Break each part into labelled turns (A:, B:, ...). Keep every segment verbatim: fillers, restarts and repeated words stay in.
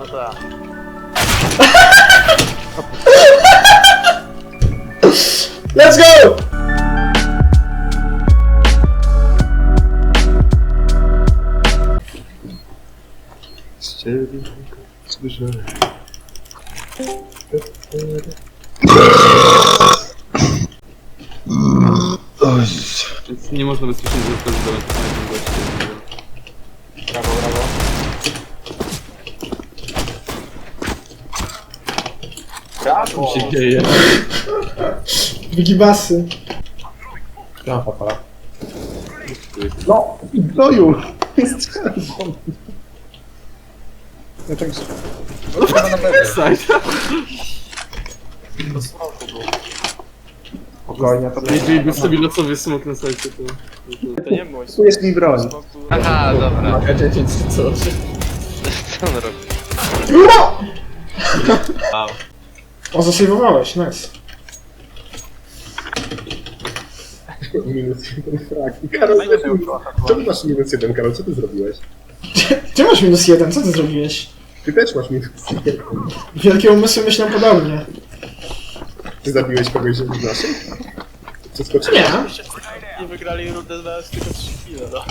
A: No to ja.
B: Let's go!
C: Więc nie można bezpiecznie zostawić do lasu na tym gościu.
A: Brawo, brawo. Brawo!
C: Co się dzieje?
B: Wigibasy.
D: Ja papa.
B: No,
D: No już! Ja tak...
C: Side.
D: Spokojnie, to
C: Jeżeli by sobie losowy smok na sajcie, to...
A: To nie mój
D: tu jest mi broń.
E: Aha, dobra.
C: K dziesięć czy co?
E: Co on robi?
B: no! O, zasejwowałeś, nice.
D: Minus jeden frag. Karol, czemu masz minus jeden, Karol? Co ty zrobiłeś?
B: Ty masz minus jeden, co ty zrobiłeś?
D: Ty też masz minus jeden.
B: Wielkie umysły myślą podobnie.
D: Ty zabiłeś kogoś z naszych? Przeskoczyłeś?
B: Nie.
A: Nie wygrali rundę na tylko trzy chwile, no.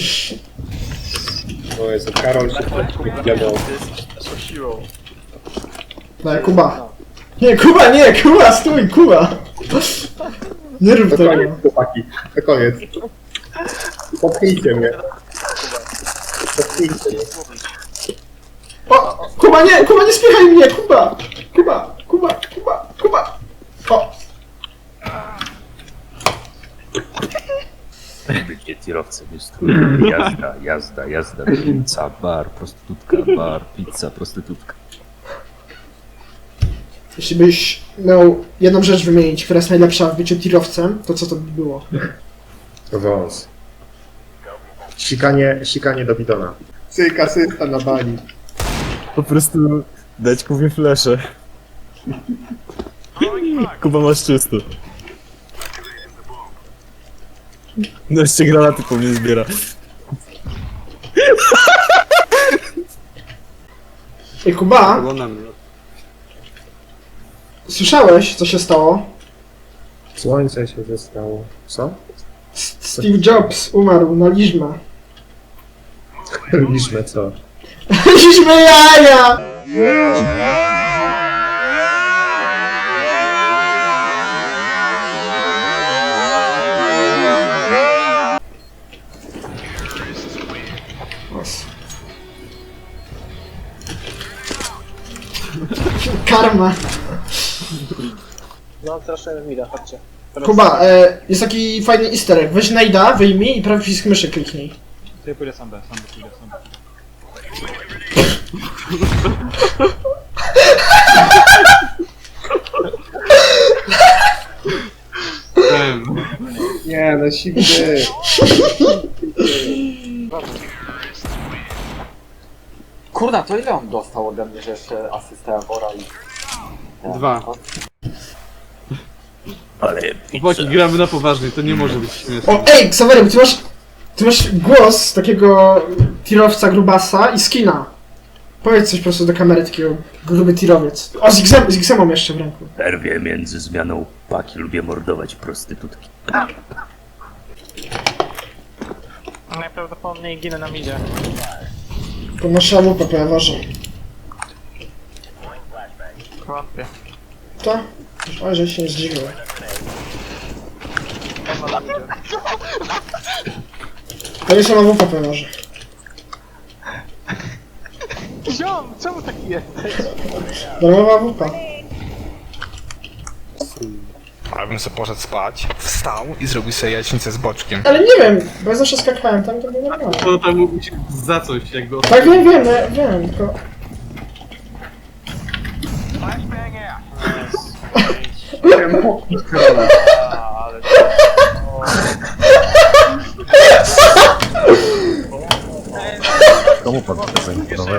D: O Jezu, Karol się wiadomo.
A: Ty jesteś naszą siłą.
B: Daj, Kuba. Nie, Kuba, nie, Kuba, stój, Kuba. Nie rób
D: To koniec,
B: tego.
D: chłopaki. To koniec. Popchnijcie mnie. Popchnijcie mnie.
B: O, Kuba, nie, Kuba, nie spiechaj mnie, Kuba. Kuba, Kuba, Kuba, Kuba. O,
F: Bycie tirowcem jest trudne. Jazda, jazda, jazda, pizza, bar, prostytutka, bar, pizza, prostytutka.
B: jeśli byś miał jedną rzecz wymienić, która jest najlepsza w byciu tirowcem, to co to by było?
D: Wąs. Sikanie, sikanie do bidona. Cyk, asysta na bani.
G: Po prostu dać Kubie flesze. Kuba masz czysto. No jeszcze granaty po mnie zbiera.
B: Ej, Kuba,
C: Było na mnie.
B: słyszałeś, co się stało?
D: Słońce się zestało. Co?
B: S- Steve Jobs umarł na liżmę.
D: Liczmy co?
B: Liżmy jaja! Os. Karma.
A: No, teraz mida, chodźcie. Teraz
B: Kuba, e, jest taki fajny easter egg. Weź najda, wyjmij i prawy przycisk myszy kliknij.
A: Ja pójdę sam B, sam B, pójdę sam B.
C: Em,
D: Nie, no siwy.
H: Kurna, to ile on dostał ode mnie, że jeszcze asystę Wora i...
C: Dwa.
F: Ale
C: Chłopaki, gramy na poważnie, to nie może być śmieszne.
B: O, ej, Ksawery, ty masz, ty masz głos takiego tirowca grubasa i skina. Powiedz coś po prostu do kamery, takiego gruby tirowiec. O, z Xem- z Xemą jeszcze w ręku.
F: w przerwie między zmianą paki lubię mordować prostytutki.
A: Najprawdopodobniej ginę na midzie.
B: To masz szamupę, po Ewarze.
A: Wątpię.
B: To? O, że się nie zdziwił.
A: Ewa na midzie.
B: To jest szamupę, po Ewarze.
A: Ziom, czemu taki jesteś?
B: Darmowa wupa.
I: A bym sobie poszedł spać, wstał i zrobił sobie jajecznicę z boczkiem.
B: Ale nie wiem, bo ja zawsze skakałem tam, to było normalne.
C: To tam mógł się za coś, jakby...
B: Tak, wiem, wiem, ja wiem, tylko...
A: A, ale...
F: Komu pan chce zaimponować?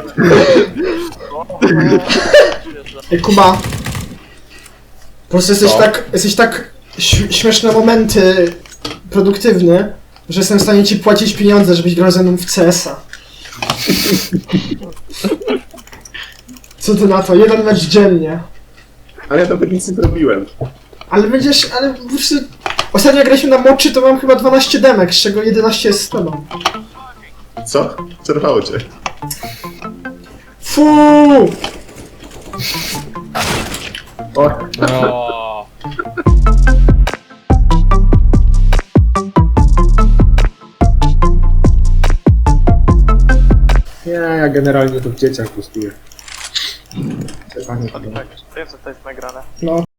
B: Ej, Kuba. Po prostu jesteś
D: Co?
B: tak, jesteś tak ś- śmieszne momenty produktywny, że jestem w stanie ci płacić pieniądze, żebyś grał ze mną w C S a. Co ty na to? Jeden mecz dziennie.
D: Ale ja nawet nic nie zrobiłem.
B: Ale będziesz, ale po prostu... Ostatnio jak graliśmy na moczy, to mam chyba dwanaście demek, z czego jedenaście jest z tobą.
D: Co? Przerwało cię.
B: Fuuu!
D: O,
E: O.
D: nie, ja generalnie to w dzieciach gustuję.
A: Tak, wiem, co to jest nagrane.
B: No.